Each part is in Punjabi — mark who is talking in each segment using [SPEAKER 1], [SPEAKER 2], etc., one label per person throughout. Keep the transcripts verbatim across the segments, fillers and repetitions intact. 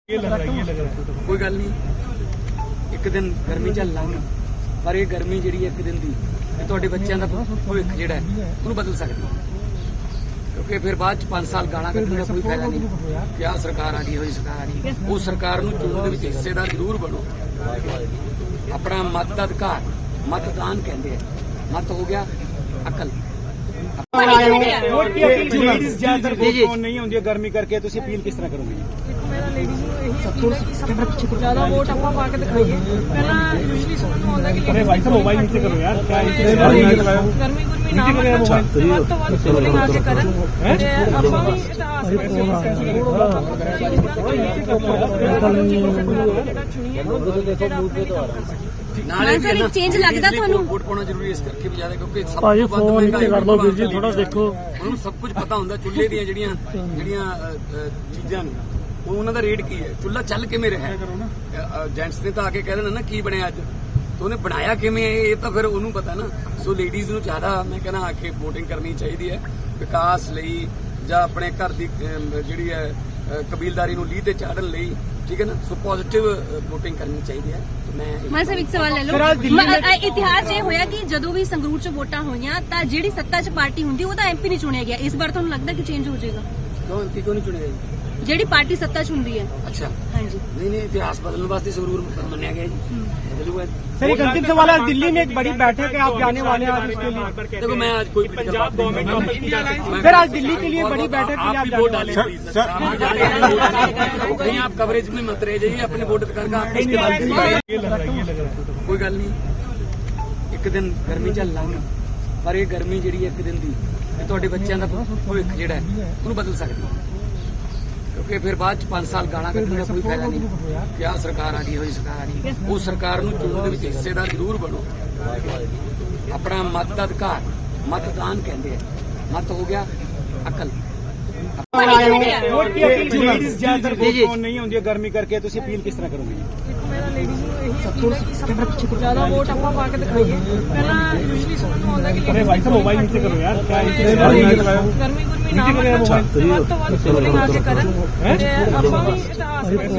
[SPEAKER 1] कोई गल नहीं, एक दिन गर्मी ਚੱਲ ਲਾਂਗੇ, ਪਰ ਇਹ ਗਰਮੀ ਜਿਹੜੀ ਇੱਕ ਦਿਨ ਦੀ ਤੁਹਾਡੇ ਬੱਚਿਆਂ ਦਾ ਭਵਿੱਖ ਜਿਹੜਾ ਹੈ ਉਹਨੂੰ ਬਦਲ ਸਕਦੀ ਹੈ, ਕਿਉਂਕਿ ਫਿਰ ਬਾਅਦ ਚ ਪੰਜ ਸਾਲ ਗਾਲਾਂ ਕੱਢਣ ਦਾ ਕੋਈ ਫਾਇਦਾ ਨਹੀਂ ਕਿ ਆਹ ਸਰਕਾਰ ਆ ਗਈ ਹੋਈ ਸਰਕਾਰ ਆ ਗਈ। ਉਹ ਸਰਕਾਰ ਨੂੰ ਚੋਣ ਦੇ ਵਿੱਚ ਹਿੱਸੇਦਾਰ ਜ਼ਰੂਰ ਬਣੋ, ਆਪਣਾ ਮਤ ਦਾ ਅਧਿਕਾਰ मतदान कहते हैं, मत हो गया अकल।
[SPEAKER 2] लेडीज ज्यादातर वोट कौन नहीं होंगी गर्मी करके, तो अपील किस तरह करोगे?
[SPEAKER 3] मेरा लेडीज ਨੂੰ ਇਹੀ ਅਪੀਲ ਹੈ ਕਿ ਸਭ ਤੋਂ ਜ਼ਿਆਦਾ ਵੋਟ ਆਪਾਂ ਪਾ ਕੇ ਦਿਖਾਈਏ। ਪਹਿਲਾਂ ਯੂਜੂਅਲੀ ਸਮਝ ਨੂੰ ਆਉਂਦਾ ਕਿ
[SPEAKER 2] अरे भाई साहब मोबाइल नीचे करो यार, क्या
[SPEAKER 3] ਗਰਮੀ ਗੁਰਮੀ ਨਾ ਵੱਧ ਤੋਂ ਵੱਧ ਵੋਟਿੰਗ ਆ ਕੇ ਕਰਨ ਤੇ ਆਪਾਂ ਵੀ ਇਤਿਹਾਸ ਵਿੱਚ
[SPEAKER 1] ਨਾਲੇ
[SPEAKER 4] ਚੇਂਜ ਲੱਗਦਾ ਤੁਹਾਨੂੰ?
[SPEAKER 1] ਵੋਟ ਪਾਉਣਾ ਜ਼ਰੂਰੀ ਇਸ ਕਰਕੇ ਵੀ ਜ਼ਿਆਦਾ, ਕਿਉਂਕਿ ਸਭ
[SPEAKER 2] ਭਾਜੀ ਫੋਨ ਨੀਚੇ ਕਰ ਲਓ ਵੀਰ ਜੀ, ਥੋੜਾ ਦੇਖੋ।
[SPEAKER 1] ਉਹਨੂੰ ਸਭ ਕੁਝ ਪਤਾ ਹੁੰਦਾ ਚੁੱਲ੍ਹੇ ਦੀਆਂ ਜਿਹੜੀਆਂ ਜਿਹੜੀਆਂ ਚੀਜ਼ਾਂ ਨੇ ਉਹ ਉਹਨਾਂ ਦਾ ਰੇਟ ਕੀ ਹੈ, ਚੁੱਲ੍ਹਾ ਚੱਲ ਕਿਵੇਂ ਰਿਹਾ। ਜੈਂਟਸ ਨੇ ਤਾਂ ਆ ਕੇ ਕਹਿ ਦੇਣਾ ਨਾ ਕੀ ਬਣਿਆ ਅੱਜ, ਤੇ ਉਹਨੇ ਬਣਾਇਆ ਕਿਵੇਂ ਇਹ ਤਾਂ ਫਿਰ ਉਹਨੂੰ ਪਤਾ ਨਾ। ਸੋ ਲੇਡੀਜ਼ ਨੂੰ ਜ਼ਿਆਦਾ ਮੈਂ ਕਹਿੰਦਾ ਆ ਕੇ ਵੋਟਿੰਗ ਕਰਨੀ ਚਾਹੀਦੀ ਹੈ, ਵਿਕਾਸ ਲਈ ਜਾਂ ਆਪਣੇ ਘਰ ਦੀ ਜਿਹੜੀ ਹੈ ਕਬੀਲਦਾਰੀ ਨੂੰ ਲੀਹ ਤੇ ਚਾੜਨ ਲਈ, ਠੀਕ ਹੈ ਨਾ। ਸੋ ਪੋਜ਼ਿਟਿਵ ਵੋਟਿੰਗ ਕਰਨੀ ਚਾਹੀਦੀ ਹੈ। ਮੈਂ
[SPEAKER 4] ਮੈਂ ਸਭ ਇੱਕ ਸਵਾਲ ਲੈ ਲਓ, ਇਤਿਹਾਸ ਇਹ ਹੋਇਆ ਕਿ ਜਦੋਂ ਵੀ ਸੰਗਰੂਰ ਚ ਵੋਟਾਂ ਹੋਈਆਂ ਤਾਂ ਜਿਹੜੀ ਸੱਤਾ ਚ ਪਾਰਟੀ ਹੁੰਦੀ ਉਹਦਾ ਐਮਪੀ ਨਹੀਂ ਚੁਣਿਆ ਗਿਆ। ਇਸ ਵਾਰ ਤੁਹਾਨੂੰ ਲੱਗਦਾ ਕਿ ਚੇਂਜ ਹੋ ਜਾਏਗਾ?
[SPEAKER 1] ਕਿਉਂ ਐਮਪੀ ਕਿਉਂ ਨਹੀਂ ਚੁਣਿਆ ਜੀ?
[SPEAKER 4] ਜਿਹੜੀ ਪਾਰਟੀ ਸੱਤਾ ਚ ਹੁੰਦੀ ਹੈ।
[SPEAKER 1] ਅੱਛਾ,
[SPEAKER 4] ਹਾਂਜੀ।
[SPEAKER 1] नहीं नहीं, इतिहास बदलने वास्ते संगरूर मनाया गया जी, बदलूगा।
[SPEAKER 2] सर एक अंतिम सवाल है, दिल्ली में एक बड़ी बैठक है, आप जाने वाले हैं आज उसके लिए?
[SPEAKER 1] देखो मैं आज कोई पंजाब
[SPEAKER 2] गवर्नमेंट सर आज दिल्ली के लिए बड़ी बैठक के लिए आप
[SPEAKER 1] वोट
[SPEAKER 2] जाने
[SPEAKER 1] डाले, कहीं आप कवरेज में मत रह जाइए, अपने वोट करके आप इस्तेमाल। कोई गल नहीं, एक दिन गर्मी ਚੱਲ ਲਾਂਗੇ, ਪਰ ਇਹ ਗਰਮੀ ਜਿਹੜੀ ਇੱਕ ਦਿਨ ਦੀ ਤੁਹਾਡੇ ਬੱਚਿਆਂ ਦਾ ਭਵਿੱਖ ਜਿਹੜਾ ਹੈ ਉਹਨੂੰ ਬਦਲ ਸਕਦੀ ਹੈ, ਕਿਉਂਕਿ ਫਿਰ ਬਾਅਦ ਚ ਪੰਜ ਸਾਲ ਗਾਲਾਂ ਕੱਢਣ ਦਾ ਕੋਈ ਫਾਇਦਾ ਨਹੀਂ ਕਿ ਆਹ ਸਰਕਾਰ ਆ ਗਈ ਹੋਈ ਸਰਕਾਰ ਆ ਗਈ। ਉਹ ਸਰਕਾਰ ਨੂੰ ਚੋਣ ਦੇ ਵਿੱਚ ਹਿੱਸੇਦਾਰ ਜ਼ਰੂਰ ਬਣੋ, ਆਪਣਾ ਮਤ ਦਾ ਅਧਿਕਾਰ मतदान कहते हैं, मत हो गया अकल।
[SPEAKER 2] लेडीज ज्यादातर वोट कौन नहीं होंगी गर्मी करके, तो अपील किस तरह करोगे?
[SPEAKER 3] ਮੇਰਾ ਲੇਡੀਜ਼ ਨੂੰ ਇਹੀ ਅਪੀਲ ਹੈ ਕਿ ਸਭ ਤੋਂ ਜ਼ਿਆਦਾ ਵੋਟ ਆਪਾਂ ਪਾ ਕੇ ਦਿਖਾਈਏ। ਪਹਿਲਾਂ ਯੂਜੂਅਲੀ ਸਮਝ ਨੂੰ ਆਉਂਦਾ ਕਿ
[SPEAKER 2] अरे भाई साहब मोबाइल नीचे करो यार, क्या
[SPEAKER 3] ਗਰਮੀ ਗੁਰਮੀ ਨਾ ਵੱਧ ਤੋਂ ਵੱਧ ਵੋਟਿੰਗ ਆ ਕੇ ਕਰਨ ਤੇ ਆਪਾਂ ਵੀ ਇਤਿਹਾਸ ਵਿੱਚ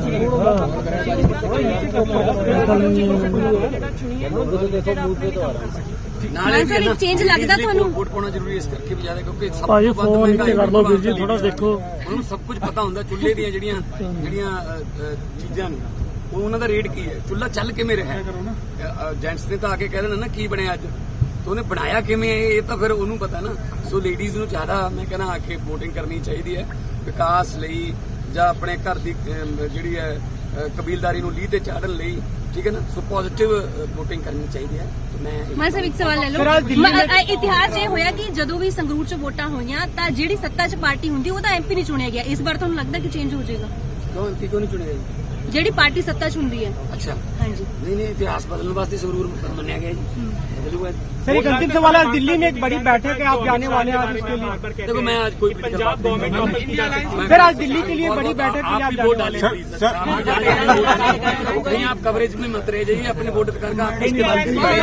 [SPEAKER 4] ਨਾਲੇ ਚੇਂਜ ਲੱਗਦਾ ਤੁਹਾਨੂੰ?
[SPEAKER 1] ਵੋਟ ਪਾਉਣਾ ਜ਼ਰੂਰੀ ਇਸ ਕਰਕੇ ਵੀ ਜ਼ਿਆਦਾ, ਕਿਉਂਕਿ ਸਭ
[SPEAKER 2] ਭਾਜੀ ਫੋਨ ਨੀਚੇ ਕਰ ਲਓ ਵੀਰ ਜੀ, ਥੋੜਾ ਦੇਖੋ।
[SPEAKER 1] ਉਹਨੂੰ ਸਭ ਕੁਝ ਪਤਾ ਹੁੰਦਾ ਚੁੱਲ੍ਹੇ ਦੀਆਂ ਜਿਹੜੀਆਂ ਜਿਹੜੀਆਂ ਚੀਜ਼ਾਂ ਨੇ ਉਹ ਉਹਨਾਂ ਦਾ ਰੇਟ ਕੀ ਹੈ, ਚੁੱਲ੍ਹਾ ਚੱਲ ਕਿਵੇਂ ਰਿਹਾ। ਜੈਂਟਸ ਨੇ ਤਾਂ ਆ ਕੇ ਕਹਿ ਦੇਣਾ ਨਾ ਕੀ ਬਣਿਆ ਅੱਜ, ਤੇ ਉਹਨੇ ਬਣਾਇਆ ਕਿਵੇਂ ਇਹ ਤਾਂ ਫਿਰ ਉਹਨੂੰ ਪਤਾ ਨਾ। ਸੋ ਲੇਡੀਜ਼ ਨੂੰ ਜ਼ਿਆਦਾ ਮੈਂ ਕਹਿੰਦਾ ਆ ਕੇ ਵੋਟਿੰਗ ਕਰਨੀ ਚਾਹੀਦੀ ਹੈ, ਵਿਕਾਸ ਲਈ ਜਾਂ ਆਪਣੇ ਘਰ ਦੀ ਜਿਹੜੀ ਹੈ ਕਬੀਲਦਾਰੀ ਨੂੰ ਲੀਹ ਤੇ ਚਾੜਨ ਲਈ, ਠੀਕ ਹੈ ਨਾ। ਸੋ ਪੋਜ਼ਿਟਿਵ ਵੋਟਿੰਗ ਕਰਨੀ ਚਾਹੀਦੀ ਹੈ। ਮੈਂ
[SPEAKER 4] ਮੈਂ ਸਭ ਇੱਕ ਸਵਾਲ ਲੈ ਲਓ, ਇਤਿਹਾਸ ਇਹ ਹੋਇਆ ਕਿ ਜਦੋਂ ਵੀ ਸੰਗਰੂਰ ਚ ਵੋਟਾਂ ਹੋਈਆਂ ਤਾਂ ਜਿਹੜੀ ਸੱਤਾ ਚ ਪਾਰਟੀ ਹੁੰਦੀ ਉਹਦਾ ਐਮਪੀ ਨਹੀਂ ਚੁਣਿਆ ਗਿਆ। ਇਸ ਵਾਰ ਤੁਹਾਨੂੰ ਲੱਗਦਾ ਕਿ ਚੇਂਜ ਹੋ ਜਾਏਗਾ?
[SPEAKER 1] ਕਿਉਂ ਐਮਪੀ ਕਿਉਂ ਨਹੀਂ ਚੁਣਿਆ ਜੀ?
[SPEAKER 4] ਜਿਹੜੀ ਪਾਰਟੀ ਸੱਤਾ ਚ ਹੁੰਦੀ ਹੈ।
[SPEAKER 1] ਅੱਛਾ,
[SPEAKER 4] ਹਾਂਜੀ।
[SPEAKER 1] नहीं नहीं, इतिहास बदलने वास्ते संगरूर मनाया गया जी, बदलूगा।
[SPEAKER 2] सर एक अंतिम सवाल है, दिल्ली में एक बड़ी बैठक है, आप जाने वाले हैं आज उसके लिए?
[SPEAKER 1] देखो मैं आज कोई पंजाब गवर्नमेंट
[SPEAKER 2] सर आज दिल्ली के लिए बड़ी बैठक के लिए आप
[SPEAKER 1] वोट
[SPEAKER 2] जाने
[SPEAKER 1] डाले, कहीं आप कवरेज में मत रह जाइए, अपने वोट करके आप इस्तेमाल।